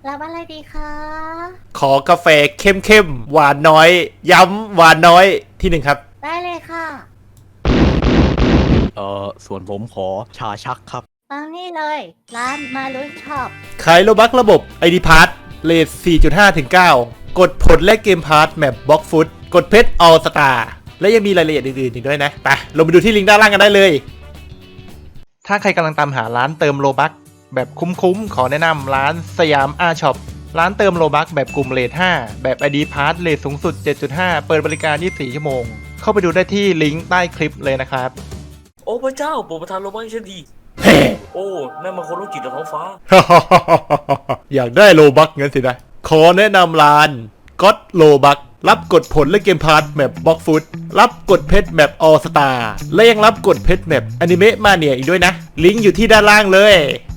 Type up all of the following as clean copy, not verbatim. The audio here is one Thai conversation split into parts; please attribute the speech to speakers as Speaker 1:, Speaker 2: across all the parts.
Speaker 1: รับอะไรดีคะ
Speaker 2: ขอกาแฟเข้มๆหวานน้อย ย้ำหวานน้อยที่หนึ่งครับ
Speaker 1: ได้เลยค่ะ
Speaker 3: ส่วนผมขอชาชักครับ
Speaker 1: มานี่เลย ร้านมาลุยช็อป
Speaker 2: ขายโลบักระบบ ID p a s s เลท 4.5 ถึง 9 กดผลและเกมพาร์ทแมปบล็อกฟุตกดเพชรออลสตาร์และยังมีรายละเอียดอื่นๆอีกด้วยนะ ไปลงไปดูที่ลิงก์ด้านล่างกันได้เลย ถ้าใครกำลังตามหาร้านเติมโลบักแบบคุ้มๆ ขอแนะนำร้านสยามอาช็อปร้านเติมโลบักแบบกลุ่มเลท 5 แบบ ID p a s s เลทสูงสุด 7.5 เปิดบริการ 24 ชั่วโมง เข้าไปดูได้ที่ลิงก์ใต้คลิปเลยนะครับ
Speaker 4: โอ้พระเจ้าโปรดประทานโลบักให้ฉันดีโอ้นั่นมันคนโรคจิตจากท้องฟ้า
Speaker 2: อยากได้โลบักงั้นสินะ ขอแนะนำร้านก็ตโลบักรับกดผลและเกมพาร์ทแมปบล็อกฟุตรับกดเพชรแมปออสตาและยังรับกดเพชรแมปอนิเมะมาเนียอีกด้วยนะ ลิงก์อยู่ที่ด้านล่างเลย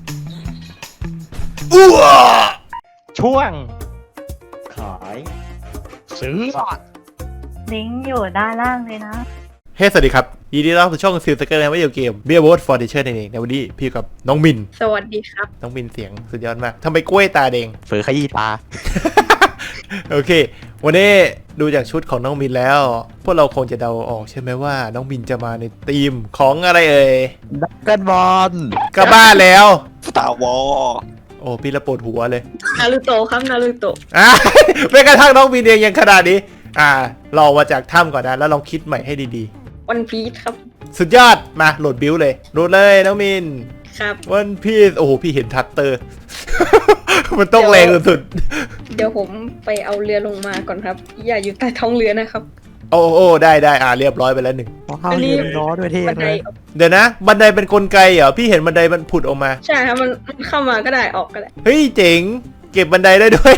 Speaker 2: อ้วช่วง
Speaker 3: ขาย ซื้อ
Speaker 1: ลิงก์อยู่ด้านล่างเลยนะ
Speaker 2: เฮ้สวัสดีครับยินดีต้อนรับสู่ช่องซิลสเกอร์ในวิดีโอเกมเบียร์วอตฟอร์ดิเชอร์นั่นเองในวันนี้พี่กับน้องมิน
Speaker 5: สวัสดีครับ
Speaker 2: น้องมินเสียงสุดยอดมากทำไมกล้วยตาแดง
Speaker 3: เฟอขยี้ตา
Speaker 2: โอเค วันนี้ดูจากชุดของน้องมินแล้ว พวกเราคงจะเดาออกใช่ไหมว่าน้องมินจะมาในธีมของอะไรเอ่ย
Speaker 3: ดักกันบอล
Speaker 2: กลับบ้านแล้ว
Speaker 3: สตาร์วอล
Speaker 2: โอ้พี่ละปวดหัวเลย
Speaker 5: นารูโตะครับ นารูโตะ
Speaker 2: อ่ะ ไม่กระทั่งน้องมินเองยังขนาดนี้ลองมาจากถ้ำก่อนนะแล้วลองคิดใหม่ให้ดี
Speaker 5: วันพีชครับ
Speaker 2: ๆ สุดยอดมาโหลดบิวเลยโหลดเลยน้องมิน
Speaker 5: ครับ
Speaker 2: วันพีซโอ้โหพี่เห็นทัตเตอร์ มันต้องแรงสุด
Speaker 5: เดี๋ยวผมไปเอาเรือลงมาก่อนครับ อย่าอยู่ใต้ท้องเรือนะครับ
Speaker 2: ๆโอ้ได้เรียบร้อยไปแล้วหนึ่ง
Speaker 3: ข้าวเย็นร้อนด้วยเท่
Speaker 5: บัน
Speaker 3: เล
Speaker 5: ได
Speaker 3: ย
Speaker 2: เดี๋ยวนะ บันไดเป็นกลไกเหรอพี่เห็นบันไดมันผุดออกมา
Speaker 5: ใช่ครับมันเข้ามาก็ได้ออกก็ได้
Speaker 2: เฮ้ยเจ๋งเก็บบันไดได้ด้วย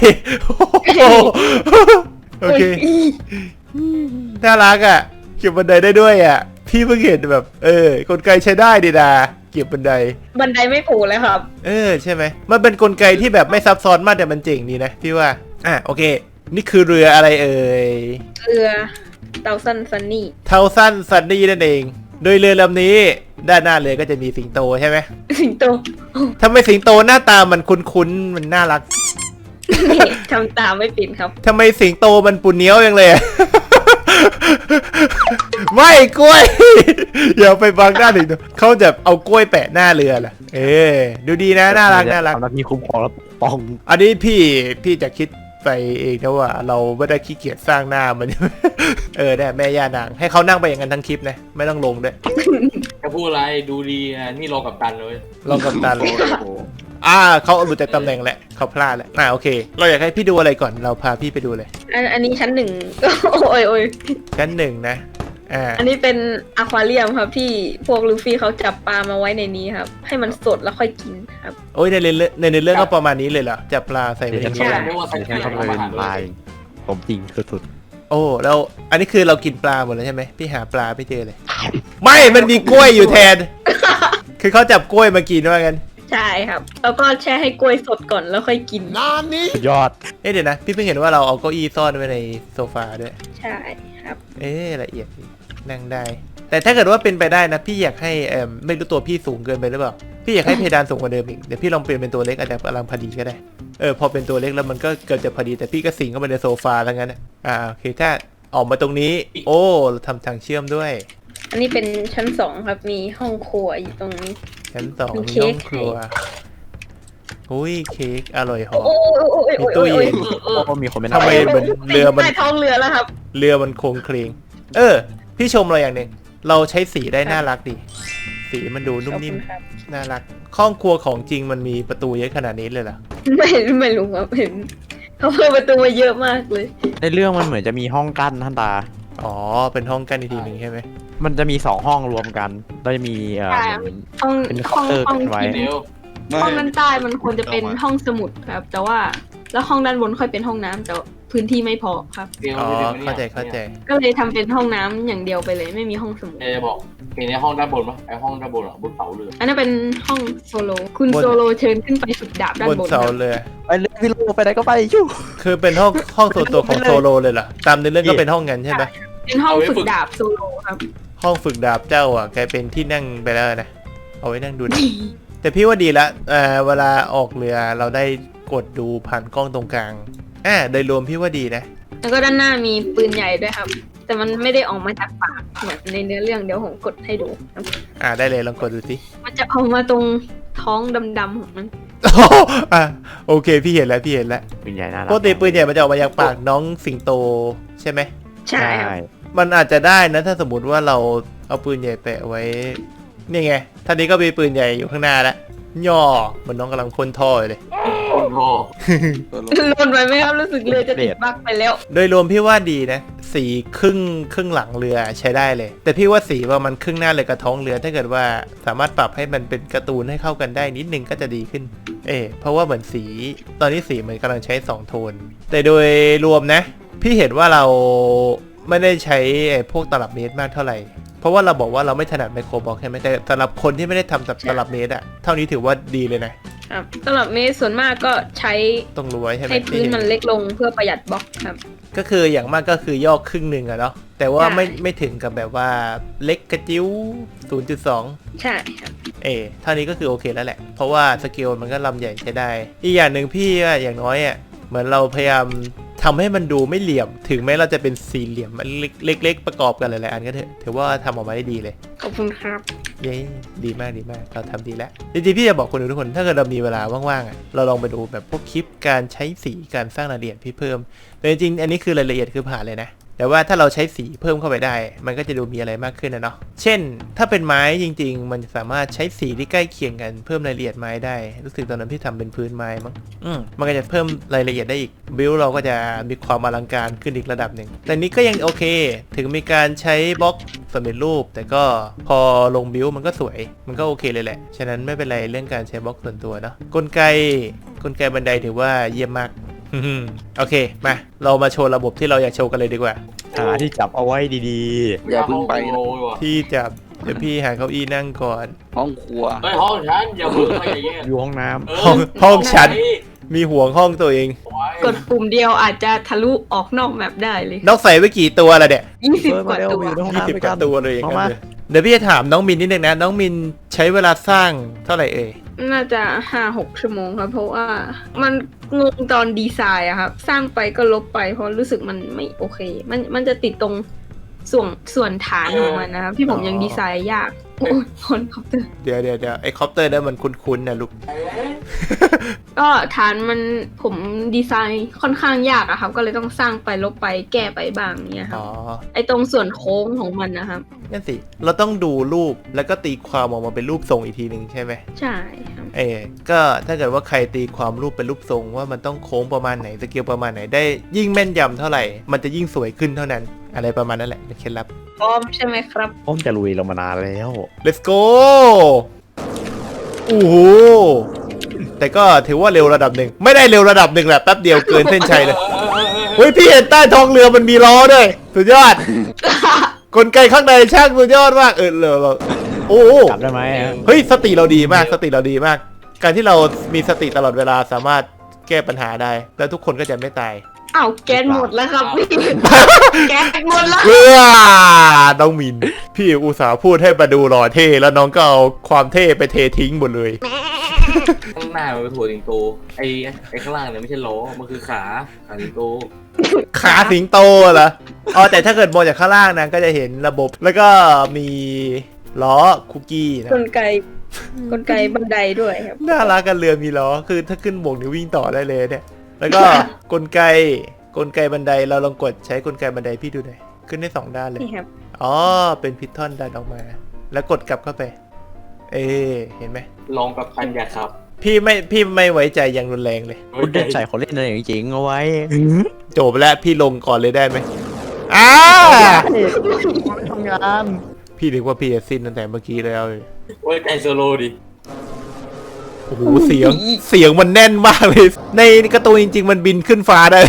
Speaker 2: โอเค
Speaker 5: โอ้ย
Speaker 2: น่ารักอ่ะเก็บบันไดได้ด้วยอ่ะพี่เพิ่งเห็นแบบกลไกใช้ได้ดีนะเก็บบันได
Speaker 5: บันไดไม่ผูเลยครับ
Speaker 2: ใช่ไหมมันเป็นกลไกที่แบบไม่ซับซ้อนมากแต่มันเจ๋งดีนะพี่ว่าโอเค นี่คือเรืออะไรเอ่ย
Speaker 5: เรือเตาซันซันนี่
Speaker 2: เทาสั้นซันนี่นั่นเองโดยเรือลำนี้ด้านหน้าเรือก็จะมีสิงโตใช่ไหม
Speaker 5: สิงโต
Speaker 2: ทำไมสิงโตหน้าตามันคุ้นๆมันน่ารัก
Speaker 5: นี่ทำตามไม่เป็นครับ
Speaker 2: ทำไมสิงโตมันปุ่นเนี้ยวยังเลยอะ ไม่กล้วย อย่าไปบังหน้าสิงโตเขาจะเอากล้วยแปะหน้าเรือล่ะดูดีนะน่ารัก
Speaker 3: ทำหน้าที่คุ้มครองและปกป้อง
Speaker 2: อันนี้พี่จะคิดไปเองนะว่าเราไม่ได้ขี้เกียจสร้างหน้ามัน เนี่ยแม่ย่านางให้เขานั่งไปอย่างนั้นทั้งคลิปนะไม่ต้องลงด้วย
Speaker 4: จะพูดอะไรดูดีนะนี่รอกับตันเลย
Speaker 2: ลองกับตาลงเขาหลุดจากตำแหน่งแหละเขาพลาดแหละโอเค เราอยากให้พี่ดูอะไรก่อนเราพาพี่ไปดูเลย
Speaker 5: อันนี้ชั้นหนึ่ง โอ้ย
Speaker 2: ชั้นหนึ่งนะ
Speaker 5: อันนี้เป็นอควาเรียมครับที่พวกลูฟี่เขาจับปลามาไว้ในนี้ครับ ให้มันสดแล้วค่อยกินครับ
Speaker 2: โอ้ยในเรื่องก็ประมาณนี้เลยเหรอจับปลาใส่ไปใน
Speaker 5: ใช่
Speaker 2: นี้
Speaker 4: เรียกว่าสัญ
Speaker 3: ฉั
Speaker 4: ญาน
Speaker 3: เข้า
Speaker 4: ของ
Speaker 3: ไป
Speaker 4: อาหาร
Speaker 3: ลายผมจริงสุด
Speaker 2: โอ้แล้วอันนี้คือเรากินปลาหมดแล้วใช่ไหมพี่หาปลาไม่เจอเลย ไม่มันมีกล้วยอยู่แทน คือเขาจับกล้วยมากินว่ากัน
Speaker 5: ใช่ครับ แล้วก็แช่ให้กล้วยสดก่อนแล้วค่อยกิน
Speaker 3: ๆสุดยอด
Speaker 2: เดี๋ยวนะพี่เพิ่งเห็นว่าเราเอาเก้าอี้ซ่อนไว้ในโซฟาด้วย
Speaker 5: ใช่ครับ
Speaker 2: ละเอียดดีนั่งได้ แต่ถ้าเกิดว่าเป็นไปได้นะพี่อยากให้ไม่รู้ตัวพี่สูงเกินไปหรือเปล่าพี่อยากให้เพดานสูงกว่าเดิมอีกเดี๋ยวพี่ลองเปลี่ยนเป็นตัวเล็กอาจจะกำลังพอดีก็ได้พอเป็นตัวเล็กแล้วมันก็เกิดจะพอดีแต่พี่ก็สิงเข้าไปในโซฟาแล้วงั้นโอเคถ้าออกมาตรงนี้โอ้เราทำทางเชื่อมด้วย
Speaker 5: อันนี้เป็นชั้นสองครับ มีห้องครัวอยู่ตรงนี้
Speaker 2: ชั้นสอง
Speaker 5: มี
Speaker 2: มี
Speaker 5: เค้
Speaker 2: ห้อก งครัวอุ้ยเค้กอร่อยหอม
Speaker 5: โอ้ย
Speaker 2: มีตู้เย็น
Speaker 3: ก็มีคนเป็น
Speaker 2: ทำไมเหมือนเรือมัน
Speaker 5: ใต้ท้องเรือแล้วครับ
Speaker 2: เรือมันโค้งเคลงพี่ชมเราอย่างหนึ่งเราใช้สีได้น่ารักดีสีมันดูนุ่มนิ่ม
Speaker 5: ขอบคุณครับ
Speaker 2: น่ารักห้องครัวของจริงมันมีประตูเยอะขนาดนี้เลยเหรอ
Speaker 5: ไม่รู้ครับเห็นเขาเพิ่มประตูมาเยอะมากเลย
Speaker 3: ในเรื่องมันเหมือนจะมีห้องกั้นท่านตา
Speaker 2: อ๋อเป็นห้องกันอีกทีหนึ่งใช่ไหม
Speaker 3: มันจะมี2ห้องรวมกันแล้วจะมีเหมือน
Speaker 5: ห้อง
Speaker 3: เป็น
Speaker 5: ห้อง
Speaker 3: เคาน์เตอร์
Speaker 5: ห้อง
Speaker 3: กันไว้
Speaker 5: ที่
Speaker 4: เดี๋ยว
Speaker 5: ห้องด้านใต้มันควรจะเป็นห้องสมุดครับ แต่ว่าแล้วห้องด้านบนค่อยเป็นห้องน้ำแต่พื้นที่ไม่พอครับ
Speaker 4: เดี๋ยว
Speaker 2: อ๋อ
Speaker 4: เดี๋ยว
Speaker 2: เข้าใจเข้าใจ
Speaker 5: ก็เลยทำเป็นห้องน้ำอย่างเดียวไปเลย ไม่มีห้องสมุด
Speaker 4: จะบอกเห็นในห้องด้านบนปะไอห้องด้านบนอ่ะบนเสาเรือ
Speaker 5: อันนั้นเป็นห้องโซโล คุณ
Speaker 2: บน
Speaker 5: โซโลเชิญขึ้นไปฝึกดาบด้าน
Speaker 2: บบ น
Speaker 5: น
Speaker 2: เสา
Speaker 5: ครับ
Speaker 2: เรือ
Speaker 3: ไปเลยพี่โลไปไหนก็ไปชู้
Speaker 2: คือเป็นห้องส่วนตัวของโซโลเลยเหรอตามในเรื่องก็เป็นห้องนั้นใช่ไหม
Speaker 5: เป็นห้องฝึกดาบโซโลครับ
Speaker 2: ห้องฝึกดาบเจ้ากลายเป็นที่นั่งไปแล้วนะเอาไว้นั่งดูหนัง แต่พี่ว่าดีละเวลาออกเรือเราได้กดดูผ่านกล้องตรงกลางโดยรวมพี่ว่าดีนะ
Speaker 5: แล้วก็ด้านหน้ามีปืนใหญ่ด้วยครับ แต่มันไม่ได้ออกมาจากปากเหมือนในเนื้อเรื่องเดี๋ยวผมกดให้ดูครับ
Speaker 2: ได้เลยลองกดดูสิ
Speaker 5: มันจะออกมาตรงท้องดำๆของมัน
Speaker 2: โอเคพี่เห็นแล้วพี่เห็นแล้ว
Speaker 3: ปืนใหญ่น่ารั
Speaker 2: ปกติปืนใหญ่มันจะออกมาจากปากน้องสิงโตใช่ไหม
Speaker 5: ใช่ครับ
Speaker 2: มันอาจจะได้นะถ้าสมมติว่าเราเอาปืนใหญ่แปะไว้นี่ไงท่านี้ก็มีปืนใหญ่อยู่ข้างหน้าแล้วย่อเหมือนน้องกำลังพ่นท่อเลย
Speaker 4: โอ้โห
Speaker 5: โหลดไปไหมครับรู้สึกเรือจะติดบั๊กไปแล้ว
Speaker 2: โดยรวมพี่ว่าดีนะสีครึ่งหลังเรือใช้ได้เลย แต่พี่ว่าสีว่ามันครึ่งหน้าเลยกับท้องเรือถ้าเกิดว่าสามารถปรับให้มันเป็นการ์ตูนให้เข้ากันได้นิดนึงก็จะดีขึ้นเพราะว่าเหมือนสีตอนนี้สีมันกำลังใช้2โทนแต่โดยรวมนะพี่เห็นว่าเราไม่ได้ใช้พวกตลับเมตรมากเท่าไหร่เพราะว่าเราบอกว่าเราไม่ถนัดไมโครบล็อกใช่ไหมแต่สำหรับคนที่ไม่ได้ทำตลับเมตรอะเท่านี้ถือว่าดีเลยนะครับ
Speaker 5: สำหรับเมสส่วนมากก็ใช้
Speaker 2: ต้องรู้ไว้ใช่ไหม
Speaker 5: ให้พื้นมันเล็กลงเพื่อประหยัดบล็อกครับ
Speaker 2: ก็คืออย่างมากก็คือย่อครึ่งหนึ่งอะเนาะแต่ว่า
Speaker 5: ใช่
Speaker 2: ไม่ถึงกับแบบว่าเล็กกระจิ้ว 0.2
Speaker 5: ใช่ครับ
Speaker 2: เท่านี้ก็คือโอเคแล้วแหละเพราะว่าสเกลมันก็ลำใหญ่ใช้ได้อีกอย่างหนึ่งพี่ว่าอย่างน้อยอะเหมือนเราพยายามทำให้มันดูไม่เหลี่ยมถึงแม้เราจะเป็นสี่เหลี่ยมมันเล็กๆประกอบกันหลายๆอันก็เถอะถือว่าทำออกมาได้ดีเลย
Speaker 5: ขอบคุณครับ
Speaker 2: เย้ดีมากเราทำดีแล้วจริงๆพี่จะบอกคนดูทุกคนถ้าเกิดเรามีเวลาว่างๆอ่ะเราลองไปดูแบบพวกคลิปการใช้สีการสร้างรายละเอียดพี่เพิ่มแต่จริงๆอันนี้คือรายละเอียดคือผ่านเลยนะแต่ว่าถ้าเราใช้สีเพิ่มเข้าไปได้มันก็จะดูมีอะไรมากขึ้นนะเนาะเช่นถ้าเป็นไม้จริงๆมันสามารถใช้สีที่ใกล้เคียงกันเพิ่มรายละเอียดไม้ได้รู้สึกตอนนั้นพี่ทำเป็นพื้นไม้มั้งมันก็จะเพิ่มรายละเอียดได้อีกบิลเราก็จะมีความอลังการขึ้นอีกระดับหนึ่งแต่นี้ก็ยังโอเคถึงมีการใช้บล็อกสำเร็จรูปแต่ก็พอลงบิลมันก็สวยมันก็โอเคเลยแหละฉะนั้นไม่เป็นไรเรื่องการใช้บล็อกส่วนตัวเนาะกลไกบันไดถือว่าเยี่ยมมากโอเคมาเรามาโชว์ระบบที่เราอยากโชว์กันเลยดีกว่า
Speaker 3: หาที่จับเอาไว้ดี
Speaker 6: อย่าเพิ่งไป
Speaker 4: โอ้
Speaker 6: นะ
Speaker 4: ยว่ะ
Speaker 2: ที่จับเดี๋ยวพี่หาเก้าอี้นั่งก่อน
Speaker 6: ห้องครัว
Speaker 4: เฮ้ยห้องฉันอย่าเพิ่งไปอย่าแย่ง
Speaker 3: ๆอยู่ห้องน้
Speaker 4: เออ
Speaker 2: ห้องฉันมีห่วงห้องตัวเอง
Speaker 5: กดปุ่มเดียวอาจจะทะลุออกนอกแมปได้เลย
Speaker 2: นอกใส่ไว้กี่ตัวละเนี่ย
Speaker 3: ำ
Speaker 5: 20 กว่าตัว
Speaker 3: อยู่ในห้อง
Speaker 2: 20
Speaker 3: น้ำด้วย
Speaker 2: ก
Speaker 3: กั
Speaker 2: ว่าน ตัวเลยอย่าง
Speaker 3: เอา
Speaker 2: นั้น
Speaker 3: มา
Speaker 2: เลยเดี๋ยวพี่จะถามน้องมินนิดนึงนะน้องมินใช้เวลาสร้างเท่าไหร่เอ่ย
Speaker 5: น่าจะ 5-6 ชั่วโมงครับ เพราะว่ามันงงตอนดีไซน์อะครับ สร้างไปก็ลบไปเพราะรู้สึกมันไม่โอเค มันจะติดตรงส่วนฐานของมันนะครับ ที่ผมยังดีไซน์ยาก โอ้ยคนคอปเตอร์
Speaker 2: เดี๋ยวไอ้คอปเตอร์นั้นมันคุ้นๆนะลูก
Speaker 5: ก็ฐานมันผมดีไซน์ค่อนข้างยากอะครับ ก็เลยต้องสร้างไปลบไปแก้ไปบ้างเนี่ยครับ
Speaker 2: อ๋อ
Speaker 5: ไอตรงส่วนโค้งของมันนะครับ
Speaker 2: นั่นสิเราต้องดูรูปแล้วก็ตีความออกมาเป็นรูปทรงอีกทีหนึ่งใช่ไหม
Speaker 5: ใช่ครับ
Speaker 2: ก็ถ้าเกิดว่าใครตีความรูปเป็นรูปทรงว่ามันต้องโค้งประมาณไหนสเกลประมาณไหนได้ยิ่งแม่นยำเท่าไหร่มันจะยิ่งสวยขึ้นเท่านั้น อะไรประมาณนั้นแหละเป็นเคล็ดลับ
Speaker 5: พร้อมใช่ไหมครับ
Speaker 3: ผมจะลุยเรามานานแล้ว
Speaker 2: let's go โอ้โหแต่ก็ถือว่าเร็วระดับหนึ่งไม่ได้เร็วระดับหนึ่งแหละแป๊บเดียวเกินเส้นชัยเลยเฮ้ยพี่เห็นใต้ท้องเรือมันมีล้อด้วยสุดยอด กลไกข้างในช่างสุดยอดมากเราโอ้โห
Speaker 3: จับได้ไหม
Speaker 2: เฮ้ยสติเราดีมากการที่เรามีสติตลอดเวลาสามารถแก้ปัญหาได้แล้วทุกคนก็จะไม่ตาย
Speaker 5: อ้าวแก๊สหมดแล้วครับพี่ แก๊สหมดแล้ว
Speaker 2: เพื่อน้องมินพี่อุตส่าห์พูดให้มาดูหล่อเท่แล้วน้องก็เอาความเท่ไปเททิ้งหมดเลย
Speaker 4: ข้างหน้ามันเป็นถั่วสิงโตไอ้ข้างล่างเนี่ยไม่ใช่ล้อมันคือขาสิงโต
Speaker 2: ขาสิงโตเหรออ๋อแต่ถ้าเกิดมองจากข้างล่างนะก็จะเห็นระบบแล้วก็มีล้อคุกกี้นะ
Speaker 5: กลไกบันไดด้วยครับ
Speaker 2: น่ารักกันเรือมีล้อคือถ้าขึ้นบกนี่วิ่งต่อได้เลยเนี่ยแล้วก็ กลไกบันไดเราลองกดใช้กลไกบันไดพี่ดูหน่อยขึ้นได้2ด้านเลย
Speaker 5: นี่ครับ
Speaker 2: อ๋อเป็นพิททอนดันออกมา แล้วกดกลับเข้าไปเห็นไหม
Speaker 4: ลองกับพันยาครับ
Speaker 2: พี่ไม่ไว้ใจอย่างรุนแรงเลย
Speaker 3: คุณได้ใส่คนเล่นอะไรจริงๆเอาไว้
Speaker 2: จบแล้วพี่ลงก่อนเลยได้ไหม
Speaker 3: ทำงาน
Speaker 2: พี่นึกว่าพี่จะสิ้นตั้งแต่เมื่อกี้แล้วเลย
Speaker 4: ไว้ใจโซโลดิ
Speaker 2: โอ้โหเสียงมันแน่นมากเลย ในการ์ตูนจริงๆมันบินขึ้นฟ้าได้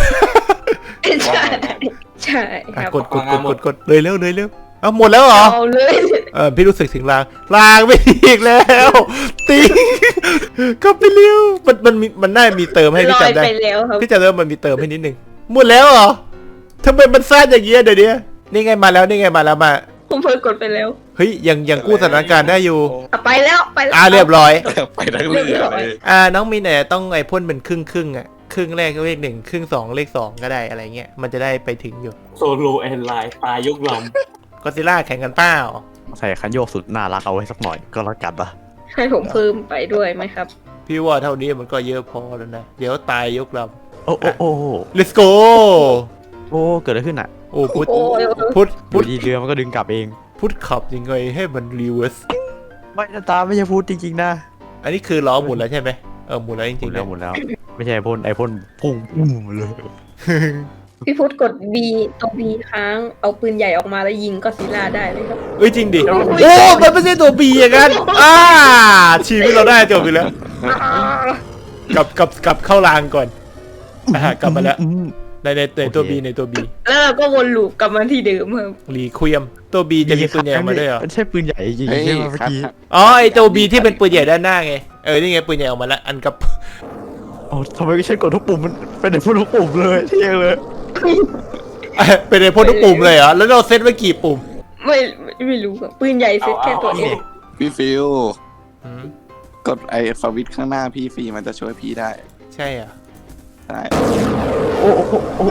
Speaker 5: ใช่ครับ
Speaker 2: กดเลยเร็วเอาหมดแล้วเหรอ
Speaker 5: เอาเลย
Speaker 2: พี่รู้สึกถึงรางไม่อีกแล้วติงก็ไปเร็วมันน่ามีเติมให้
Speaker 5: ล
Speaker 2: พี่
Speaker 5: อย
Speaker 2: จำได้
Speaker 5: ไปแล้วครับ
Speaker 2: พี่จำได้ว่ามันมีเติมให้นิดนึงหมดแล้วเหรอทำไมมันสั้นอย่างเงี้ยเดี๋ยวนี้นี่ไงมาแล้วม
Speaker 5: ผมเพิ่งกดไปแล้ว
Speaker 2: เฮ้ยยังกู้สถานการณ์ได้อยู่
Speaker 5: ไปแล้วไปแล้ว
Speaker 2: เรียบร้อย
Speaker 6: ไปทั้งเรือเลย
Speaker 2: น้องมินเนี่ยต้องไอ้พ่นเป็นครึ่งอ่ะครึ่งแรกก็เลข1ครึ่ง2เลข2ก็ได้อะไรเงี้ยมันจะได้ไปถึงอยู่
Speaker 4: โซโลแอนไลน์ตายยกล
Speaker 2: ก็ซิล่าแข่งกันเปล่า
Speaker 3: ใส่คันโยกสุดน่ารักเอาไว้สักหน่อยก็แล้วกันนะ
Speaker 5: ให้ผมเพิ่มไปด้วยไหมครับ
Speaker 2: พี่ว่าเท่านี้มันก็เยอะพอแล้วนะเดี๋ยวตายยกล
Speaker 3: โอ้โอ้โอ้
Speaker 2: ำ let's go
Speaker 3: โอ้เกิดอะไรขึ้นอ่ะ
Speaker 2: โอ้พุทธ
Speaker 5: โอ้ย
Speaker 2: พุทธ
Speaker 3: พูดดีเรือมันก็ดึงกลับเอง
Speaker 2: พุทธขับยังไงให้มันรีเวิร์ส
Speaker 3: ไม่นะตาไม่ใช่พูดจริงๆนะ
Speaker 2: อันนี้คือล้อหมุนแล้วใช่ไหมหมุนแล้วจ
Speaker 3: หมุ
Speaker 2: ริ
Speaker 3: น
Speaker 2: งๆ
Speaker 3: แล้ว
Speaker 2: นะ
Speaker 3: หมุนแล้วไม่ใช่ไอพ่นพุ่งปุ้มเลย
Speaker 5: พี่พุทธกด B ตัว B ค้างเอาปืนใหญ่ออกมาแล้วยิงก็อดซิลล่าได้เลยครับ
Speaker 2: เอ้ยจริงดิโอ้มันไม่ใช่ตัวบีอย่างนั้นชีวิตเราได้จบไปแล้วกลับเข้ารางก่อนกลับมาแล้วในตัวบีในตัวบี
Speaker 5: แล้วเราก็วนลูปกลับมาที่เดิมครับ
Speaker 2: รีเควียมตัวบีจะมีปืนใหญ่ออกมาด้วยเหรอ
Speaker 3: ใช่ปืนใหญ่จริง
Speaker 6: เฮ้ย
Speaker 3: ใช่ไหมเมื่อ
Speaker 6: ครับ
Speaker 3: กี้
Speaker 2: อ๋อไอตัวบีที่เป็นปืนใหญ่ด้านหน้าไงนี่ไงปืนใหญ่ออกมาแล้วอันกับ
Speaker 3: โอ้ทำไมฉันกดทุกปุ่มมันเป็นไอ้พวกทุกปุ่มเลยเที่ยเลย
Speaker 2: เป็นไอพ่นทุกปุ่มเลยเหรอแล้วเราเซตไว้กี่ปุ่ม
Speaker 5: ไม่รู้ครับปืนใหญ่เซ็ตแค่ตัวเอง
Speaker 6: พี่ฟิว
Speaker 2: อืม
Speaker 6: กดไอ้สวิตช์ข้างหน้าพี่ฟรีมันจะช่วยพี่ได้
Speaker 2: ใช่อ่ะ
Speaker 6: ใช่
Speaker 3: โอ้โอ้โอ้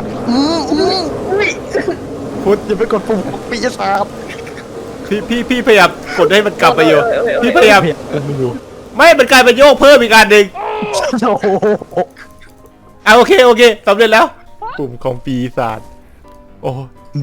Speaker 3: พุทธอย่าไปกดปุ่มปีศาจ
Speaker 2: พี่พยายามกดให้มันกลับไปอยู่พี่พยายาม
Speaker 3: มันอยู่
Speaker 2: ไม่มันกลายเป็นโยกเพิ่มอีกอันหนึ่ง
Speaker 3: โอ้โห
Speaker 2: โอเคสำเร็จแล้ว ปุ่มของปีศาจโอ้
Speaker 3: ดู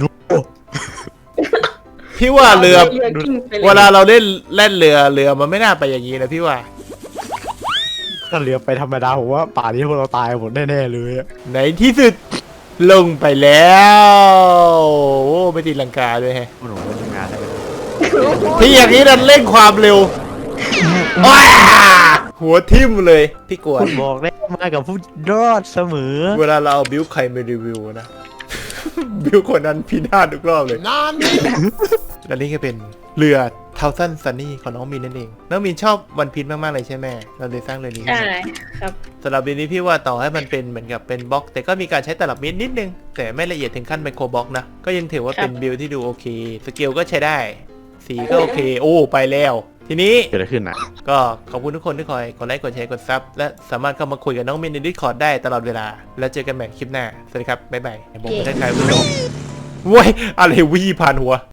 Speaker 2: พี่ว่าเรือ
Speaker 5: กิ้งไปเลย
Speaker 2: เวลาเราเล่นเรือมันไม่น่าไปอย่างนี้นะพี่ว่า
Speaker 3: ถ้าเรือไปธรรมดาผมว่าป่านนี้พวกเราตายหมดแน่ๆเลยอะ
Speaker 2: ในที่สุดลงไปแล้วโอ้ไม่ตีลังกาด้วยแฮะ
Speaker 3: มันหนูทำงานได้ไหม
Speaker 2: ที่อย่างนี้ดันเร่งความเร็วว้าหัวทิ่มเลยพี่กวน
Speaker 3: คุณบอกได้มากับผู้รอดเสมอ
Speaker 2: เวลาเราเอาบิวใครมารีวิวนะ บิวคนนั้นพินาศทุกรอบเลยและนี่ก็เป็นเรือเทาซันซันนี่ของน้องมินนั่นเองน้องมินชอบวันพีชมากๆเลยใช่ไหมเราเลยสร้างเรือนี้ขึ้น
Speaker 5: ใช่
Speaker 2: มา
Speaker 5: ครับ
Speaker 2: สำหรับเรือนี้พี่ว่าต่อให้มันเป็นเหมือนกับเป็นบล็อก แต่ก็มีการใช้ตลับเมตรนิดนึง แต่ไม่ละเอียดถึงขั้นไมโครบล็อกนะก็ยังถือว่าเป็นบิลที่ดูโอเคสเกลก็ใช้ได้สีก็โอเคโอ้ไปแล้ว ทีนี้
Speaker 3: เกิดอะไรขึ้นอ่ะ
Speaker 2: ก็ขอบคุณทุกคนที่คอยกดไลค์กดแชร์กดซับและสามารถเข้ามาคุยกับน้องมินใน Discord ได้ตลอดเวลา แล้วเจอกันใหม่คลิปหน้า สวัสดีครับ บ๊ายบายผมไม่ได้ใครผู้ชมว้ยอะไรวี่ผ่านหัว